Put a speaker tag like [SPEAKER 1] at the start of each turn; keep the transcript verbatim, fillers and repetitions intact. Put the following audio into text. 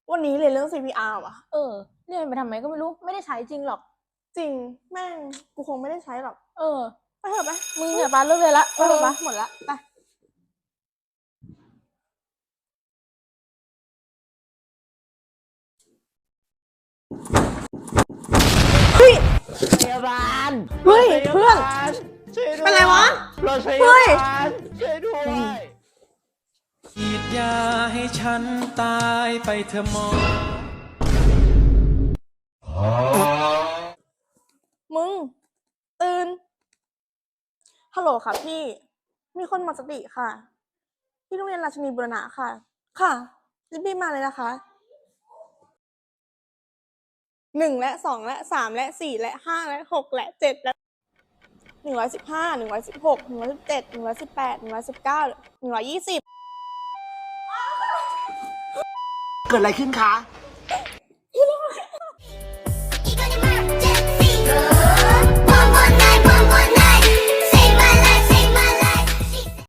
[SPEAKER 1] วันนี้เรียนเรื่อง ซี พี อาร์ ว่ะ
[SPEAKER 2] เออเรียนไปทำไมก็ไม่รู้ไม่ได้ใช้จริงหรอก
[SPEAKER 1] จริงแม่งกูคงไม่ได้ใช้หรอก
[SPEAKER 2] เออ
[SPEAKER 1] ไปเถอะไป
[SPEAKER 2] มึงเนี่ยปาเลิกเรียนละไป
[SPEAKER 1] เอ
[SPEAKER 2] เถ
[SPEAKER 1] อ
[SPEAKER 2] อะปะ
[SPEAKER 1] หมดละไปเฮ้ย
[SPEAKER 3] พยาบาล
[SPEAKER 1] เฮ้ยเพื่อน
[SPEAKER 3] ช่วยด้วย
[SPEAKER 1] เป็นไรวะ
[SPEAKER 3] รถพ
[SPEAKER 1] เฮ้
[SPEAKER 3] ยาย บาลช่วยด้วย
[SPEAKER 4] ฉีดยาให้ฉันตายไปเถอะหมอ
[SPEAKER 1] มึงตื่นฮัลโหลค่ะพี่มีคนหมดสติค่ะที่โรงเรียนราชินีบุรณะค่ะค่ะรีบๆมาเลยนะคะหนึ่งและสองและสามและสี่และห้าและหกและเจ็ดและหนึ่งร้อยสิบห้าหนึ่งร้อยสิบหกหนึ่งร้อยสิบเจ็ดหนึ่งร้อยสิบแปดหนึ่งร้อยสิบเก้าหนึ่งร้อยยี่สิบ
[SPEAKER 3] เกิดอะไรขึ้นคะ